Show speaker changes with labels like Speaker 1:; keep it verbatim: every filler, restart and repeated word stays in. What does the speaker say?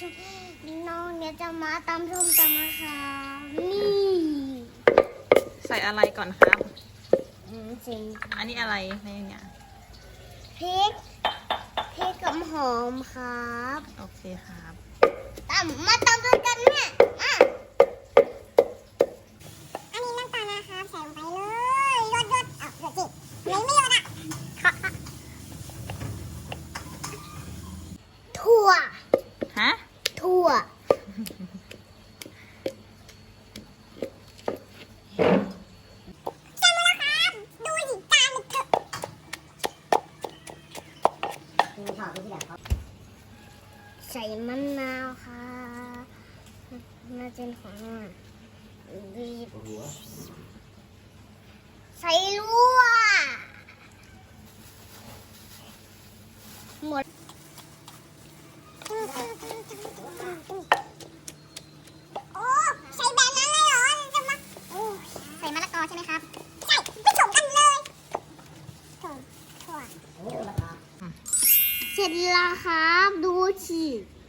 Speaker 1: น้องเนี่ยจะมาตำส้มตำนะคะนี่
Speaker 2: ใส่อะไรก่อนครับ
Speaker 1: อืมจริง
Speaker 2: อันนี้อะไรในเนี่ย
Speaker 1: พริกพริกกับหอมครับ
Speaker 2: โอเคครับ
Speaker 1: ตำมาตำด้วยกันเนี่ยอ่ะอันนี้น้ำตาลนะครับใส่ลงไปเลยยดยดเอายดสิไม่ไม่ยดอ่ะถั่ว
Speaker 2: ฮะ
Speaker 1: ถั่วใส่มะนาวค่ะน่าจะเป็นของมันบีบใส่ลวกหมดโอ้ใส่แบบนั้นเลยเหรอจะมาโอ้ใส่มะละกอใช่ไหมครับใส่ผสมกันเลยถั่วถั่วเสร็จแล้วครับดูสิ